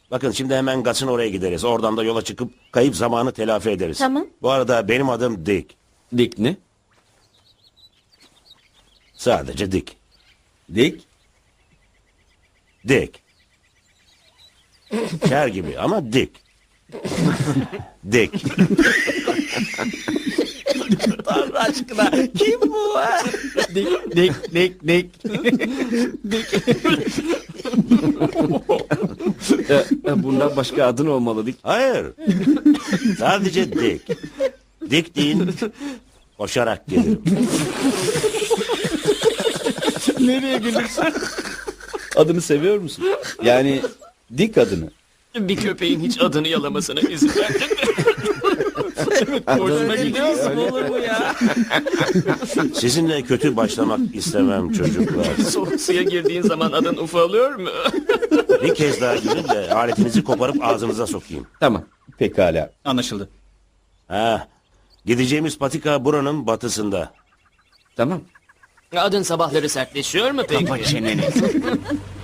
Bakın şimdi hemen Gas'ın oraya gideriz. Oradan da yola çıkıp kayıp zamanı telafi ederiz. Tamam. Bu arada benim adım Dick. Dick ne? Sadece Dick. Dick? Dick. Ker gibi ama Dick. Dick. Tanrı aşkına kim bu ha? Dick. Bundan başka adın olmalı Dick. Hayır. Sadece Dick. Dick değil. Koşarak gelirim. Nereye gelirsin? Adını seviyor musun? Yani Dick adını. Bir köpeğin hiç adını yalamasına izin verdin mi? Hoşuna gidiyor mu? Olur bu ya? Sizinle kötü başlamak istemem çocuklar. Soğuk suya girdiğin zaman adın ufalıyor mu? Bir kez daha girin de aletinizi koparıp ağzınıza sokayım. Tamam. Pekala. Anlaşıldı. Ha, gideceğimiz patika buranın batısında. Tamam. Adın sabahları sertleşiyor mu peki? Kapa çeneni.